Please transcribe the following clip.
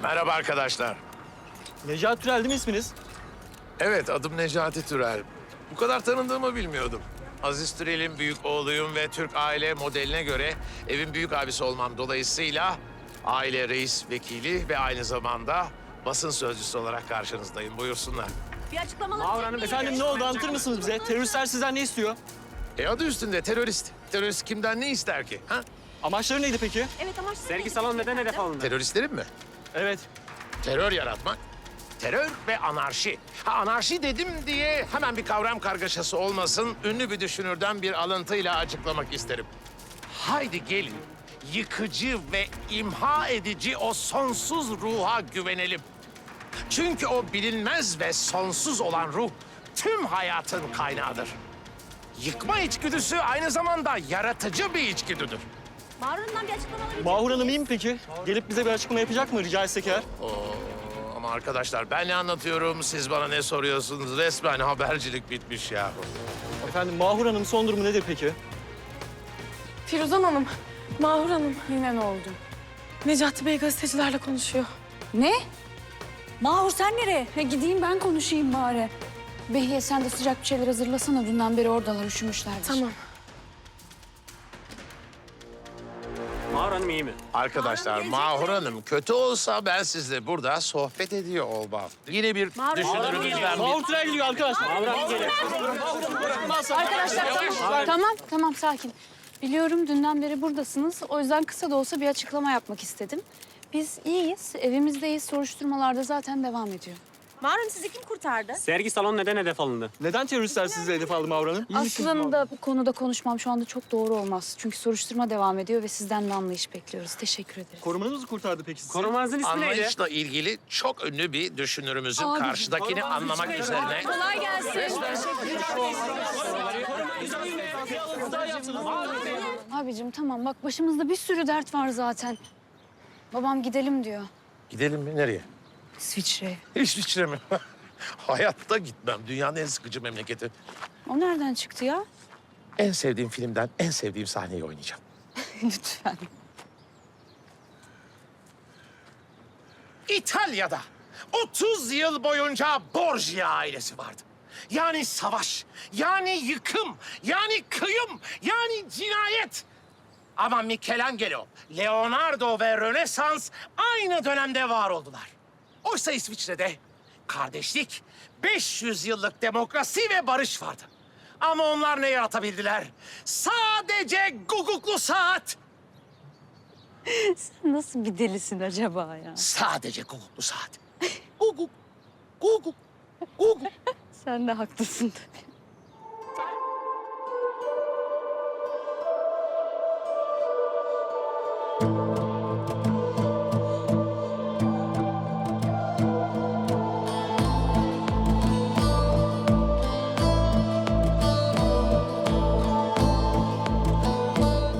Merhaba arkadaşlar. Necati Türel değil mi isminiz? Evet, adım Necati Türel. Bu kadar tanındığımı bilmiyordum. Aziz Türel'in büyük oğluyum ve Türk aile modeline göre evin büyük abisi olmam dolayısıyla aile reis vekili ve aynı zamanda basın sözcüsü olarak karşınızdayım. Buyursunlar. Bir açıklamalar Mağur Hanım, efendim ne oldu anlatır mısınız bize? Teröristler sizden ne istiyor? Adı üstünde terörist. Terörist kimden ne ister ki? Ha? Amaçları neydi peki? Evet ama Sergi salonu neden hedef alındı? Teröristlerin mi? Evet. Terör yaratmak. Terör ve anarşi. Anarşi dedim diye hemen bir kavram kargaşası olmasın. Ünlü bir düşünürden bir alıntıyla açıklamak isterim. Haydi gelin, yıkıcı ve imha edici o sonsuz ruha güvenelim. Çünkü o bilinmez ve sonsuz olan ruh tüm hayatın kaynağıdır. Yıkma içgüdüsü aynı zamanda yaratıcı bir içgüdüdür. Mağrur'dan bir açıklama alabilecek Mahur Hanım iyi mi peki? Gelip bize bir açıklama yapacak mı rica etsek eğer? Ama arkadaşlar ben ne anlatıyorum, siz bana ne soruyorsunuz? Resmen habercilik bitmiş ya. Efendim Mahur Hanım son durumu nedir peki? Firuzan Hanım, Mahur Hanım yine ne oldu? Necati Bey gazetecilerle konuşuyor. Ne? Mahur sen nereye? Gideyim ben konuşayım bari. Behiye sen de sıcak bir şeyler hazırlasana. Dünden beri oradalar üşümüşlerdir. Tamam. Mağur Hanım iyi mi? Arkadaşlar Mahur Hanım kötü olsa ben sizle burada sohbet ediyor olmam. Yine bir düşünürümüzden bir... Mahur Türel geliyor arkadaşlar. Mağur Hanım geliyor. Arkadaşlar tamam sakin. Biliyorum dünden beri buradasınız. O yüzden kısa da olsa bir açıklama yapmak istedim. Biz iyiyiz, evimizdeyiz. Soruşturmalarda zaten devam ediyor. Mağrur'u sizi kim kurtardı? Sergi salonu neden hedef alındı? Neden teröristler sizi hedef aldı Mahur Hanım? Aslında bu konuda konuşmam şu anda çok doğru olmaz. Çünkü soruşturma devam ediyor ve sizden de anlayış bekliyoruz. Teşekkür ederiz. Korumanız mı kurtardı peki sizi? Korumanızın ismi neydi? Anlayışla ilgili çok ünlü bir düşünürümüzün Abicim, karşıdakini anlamak üzerine... Kolay gelsin. Abicim tamam bak başımızda bir sürü dert var zaten. Babam gidelim diyor. Gidelim mi? Nereye? İsviçre'ye. İsviçre mi? Hayatta gitmem. Dünyanın en sıkıcı memleketi. O nereden çıktı ya? En sevdiğim filmden en sevdiğim sahneyi oynayacağım. Lütfen. İtalya'da 30 yıl boyunca Borgia ailesi vardı. Yani savaş, yani yıkım, yani kıyım, yani cinayet. Ama Michelangelo, Leonardo ve Rönesans aynı dönemde var oldular. Oysa İsviçre'de kardeşlik, 500 yıllık demokrasi ve barış vardı. Ama onlar ne yaratabildiler? Sadece guguklu saat. Nasıl bir delisin acaba ya? Sadece guguklu saat. Guguk, guguk, guguk. Sen de haklısın tabii.